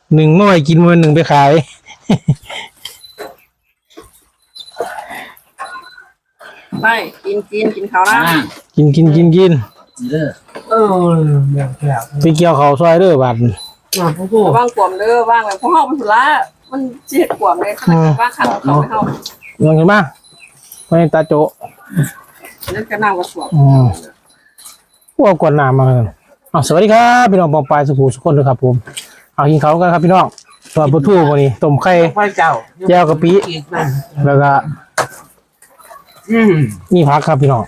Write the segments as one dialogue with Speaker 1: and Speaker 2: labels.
Speaker 1: หนึ่งเมื่อไหร่กินวันหนึ่งไปขาย
Speaker 2: ไม่กินเขาละ
Speaker 1: กิน
Speaker 3: เออแบบ
Speaker 1: ไปเกี่ยวเขาซอยเด้อบัด
Speaker 2: ว่างกวมเด้อว่างแบบพวกเฮาเป็นสุรามันเจ็ดกวมเลยขนาดว่าขันเขาไม่เฮา
Speaker 1: ลองกันมาไปตาโจ
Speaker 2: นั่นก็น่าว่าสวม
Speaker 1: พวกกวนน้ำมาสวัสดีครับพี่น้องปองปลายสุขุสุขคนเลยครับผมเอากินเขากันครับพี่น้องตัวปลาทูวันนี้ต้มไข่แจ่วกะปิแล้วก็มีผักครับพี่น้อง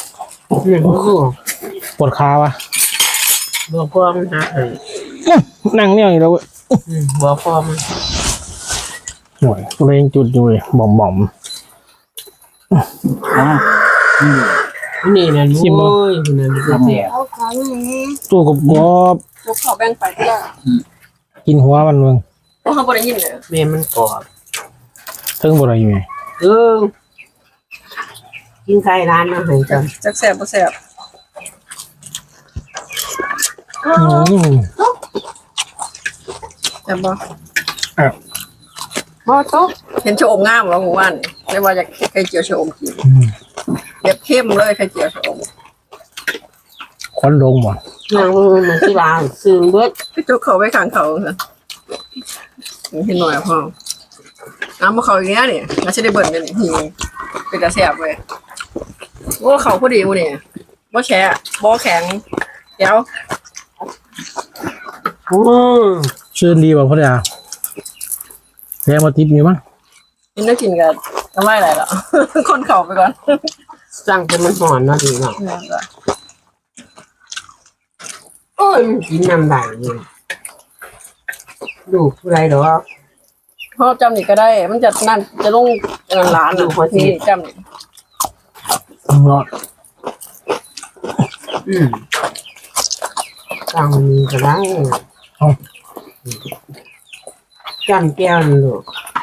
Speaker 1: ปวดขาวะ
Speaker 3: บอกพ่อมันฮะ
Speaker 1: นั่งเนี่ยอยู่แล้ว
Speaker 3: บอกพ่อมัน
Speaker 1: หน่วยเร่งจุดอยู่เลยบ่ม
Speaker 3: นี่นะลูกโอ้ยนี่นะเสีย
Speaker 1: ตู้กบ
Speaker 2: ลูกเขาแบ่งไปเพื่อ
Speaker 1: กินหัวมันเมือง
Speaker 2: พวกเขาบ่ได้ยินเลย
Speaker 3: แม่มันกอด
Speaker 1: ถึงบ่ได้อยู่ไง
Speaker 3: กินไข่ร้านมาให้จัง
Speaker 2: จักแซ่บบ่แซ่บแซ่บบ่บ่โตเห็นชะอมงามบ่ฮู้ว่านี่ไม่ว่าจะไข่เจียวชะอมกินแบบเข้มเลยไข่เจียวชะอม
Speaker 1: ควันลงบ่
Speaker 3: นางมันที่ร้านซื้อเบิด
Speaker 2: พี่จุกเขาไว้ข้างเขาค่ะเห็นหน่อยพ่อน้ำมาเขาอย่างเงี้ยนี่น่าจะได้เบิ่นเป็นหิวเป็นกระแสบเลยว่าเขาพอดีวะนี่ว่าแฉะบ่แข็งเดี๋ยว
Speaker 1: ชื่นดีบ่พ่อจ๋าแรงมาทิพย์มีมั้ง
Speaker 2: กินได้กินกันทำไมอะไรหรอคนเข่าไปก่อน
Speaker 3: สั่งเป็นมันหอนนะดีเนาะโอ้ยกินน้ำไหลดูผู้ใดหรอ
Speaker 2: พ่อจำนี่ก็ได้มันจะนั่นจะลงร้านอยู่คนนี้จำนี่
Speaker 3: สั่งมีก็ได้จำแก้วนี่ลูก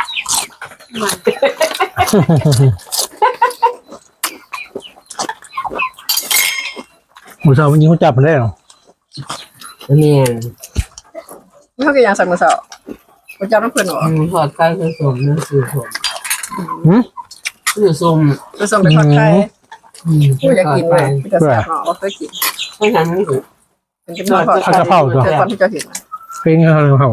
Speaker 1: หมูสาวมันยิงเขาจับมันได้หรอ
Speaker 3: เนี่ย
Speaker 2: ไม่เขากี่อย่างสั่งมาสาวเขาจับน้ำเพื่อนหรอ
Speaker 3: ทอดไก่คือสมนั่นคือสมคือสม
Speaker 2: คือสมเป็นทอดไข่ผู้อยากกินไหมจะแซ่บหรอเราเคยกิน
Speaker 3: ไม่ทำไม่ถูก
Speaker 2: เป็นกินทอดกระเพราตัวตอนที่จะเห็น
Speaker 1: เพลงกระเพรา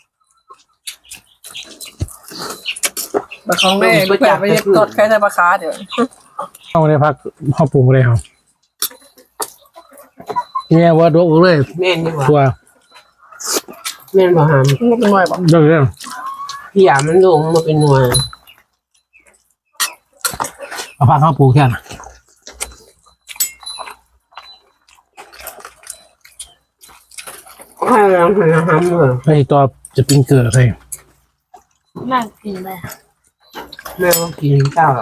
Speaker 2: บะของแม่ไปแปะไปทอดไข่ใส่ปลาคาเดี๋ยว
Speaker 1: เอาในพักข้าวปรุงเลยครับเนี่ยว่าดกเลย
Speaker 3: แม่นี่ว่า
Speaker 1: ตัว
Speaker 3: แม่นบ่หาม
Speaker 2: มันเป็นหน่วยบ่
Speaker 1: เรื่อง
Speaker 3: พี่ยามันลงมาเป็นหน่วย
Speaker 1: เอาพักข้าวปรุงแค่น่ะ
Speaker 3: ให้เราทำเลย
Speaker 1: ไอ้ตัวจะปิ้งเกลือเลย
Speaker 2: น่ากินเลย
Speaker 3: แม่ก็กินข้าว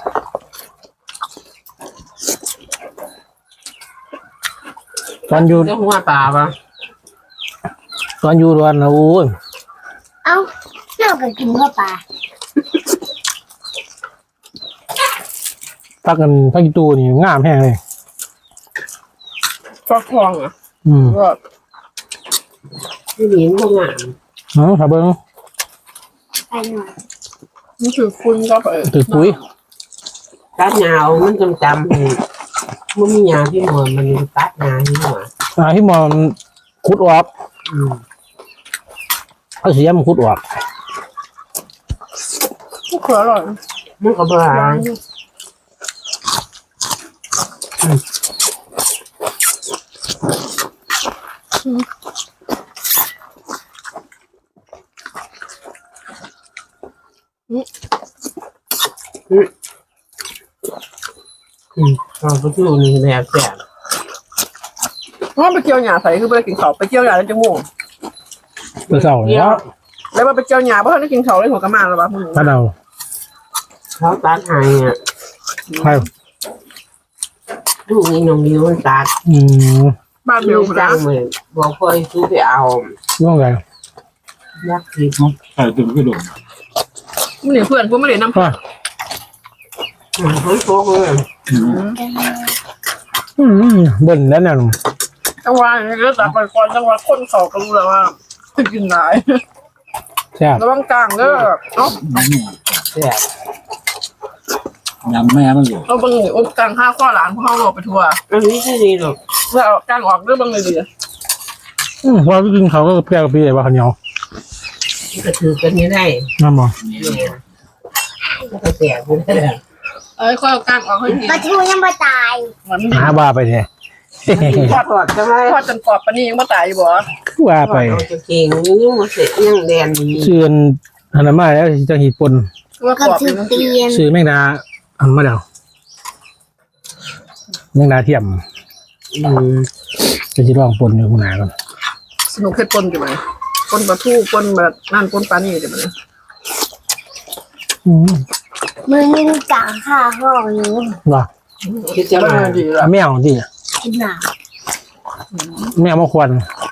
Speaker 1: ตอนอยู่
Speaker 3: หัวปลาปะ
Speaker 1: ตอนอยู่วันนะโอ้ย
Speaker 4: เอ้าเจ้าก็กินข้าวปลา
Speaker 1: พักกันพักอีตูนี่งามแห้งเลย
Speaker 2: ฟักทองอ่ะก็
Speaker 3: ไม่เลี้ยงพวกงาม
Speaker 1: ถ้าเบิ้ง
Speaker 4: ไปหน่อย
Speaker 2: นี่คือคุณก็
Speaker 1: ตึกปุ๋ย
Speaker 3: ตัดยาวมันจำมันมียาที่หมอนมันตัดยาที่หมอน
Speaker 1: ที่มอนคุดออกเอาเสียมันคุดออก
Speaker 2: ก็อร่อย
Speaker 3: มันก็บ้าเราไปดูนี่แบบแสบ
Speaker 2: ว่าไปเกี่ยวหญ้าใส่คือไปกินข้าวไปเกี่ยวหญ้าแล้วจมูก
Speaker 1: ไปเสาแล้ว
Speaker 2: แล้วว่าไปเกี่ยวหญ้าเพราะเขาได้กินข้าวเลยหัวกระมาแล้วป่ะ
Speaker 1: ถ้าเรา
Speaker 3: เขาตัดให้อ่ะ
Speaker 1: ใช่
Speaker 3: ลูกนี่น้องมิวมันตัด
Speaker 2: บ้านเบล
Speaker 3: จังเลยบอกพ่อซื้อไปเอา
Speaker 1: ย่องไง
Speaker 3: ยักษ์ทิพย์
Speaker 5: ใส่ตึงกระโดด
Speaker 2: ไม่เหลือเพื่อนพวกไม่เหลือน้ำเพื่อน
Speaker 3: เฮ้ยโป๊กเลย
Speaker 1: เบิ่นแล้วเนี่ย
Speaker 2: จังหวะนี้ก็ตัดไปก่อนจังหวะคนเขาก็รู้แล้วว่ากินได้
Speaker 1: แซ่บ
Speaker 2: ระวังกลางเด้อเนาะ
Speaker 3: แซ่บ
Speaker 5: ยำแม่มันอยู่
Speaker 2: เอาบางนี่อบกลางข้าวข้อหลานพ่อเราไปทัวร์
Speaker 3: อันนี้ไม่ดีหรอก
Speaker 2: เพื่อเอากลางออกเด้อบางเลยดี
Speaker 1: พอไปกินเขาก็แซ่บกับพี่ไอ้ว่าเขาวเหนียว
Speaker 3: มันก็ถือกันไม่ได้
Speaker 1: น้ำบ่
Speaker 3: เนี่ยมันก็แซ่บอยู่นั่นแหละ
Speaker 2: เอ้ยข้อยเอากลางออกให้ดี
Speaker 4: ปลาทูยังไม่ตาย
Speaker 2: มัน
Speaker 1: หาว่าไปเนี่ย
Speaker 3: ทอดใช่ไหม
Speaker 2: ทอดจนกรอบปานนี้ยังไม่ตายอยู่บ่
Speaker 1: คือว่าไป
Speaker 3: เอาจะเก่งยังมาเสร็จยังแดนดี
Speaker 1: ชื่ออันนั้นมาแล้วจะหีดปน
Speaker 2: ว่าก
Speaker 4: ก็
Speaker 2: รอบ
Speaker 4: ถื
Speaker 2: เป็
Speaker 4: อน เตียน
Speaker 1: ชื่อแมงดาอันมาแล้วแมงดาเทียม
Speaker 3: อืม
Speaker 1: จะสิลองปนอยู่ข้างหน้าก่อน
Speaker 2: สนุกเฮ็ดปนอยู่ไหมปนปลาทูปนแบบนั่นปนปลานี่อยู่ไหม
Speaker 1: อืม
Speaker 4: มือนี่กลางข้าห้องนี้
Speaker 1: ว่า
Speaker 3: คิดจะมา
Speaker 2: ดีละ
Speaker 1: แมวดิ
Speaker 4: กินหนา
Speaker 1: แมวมาควัน
Speaker 2: เ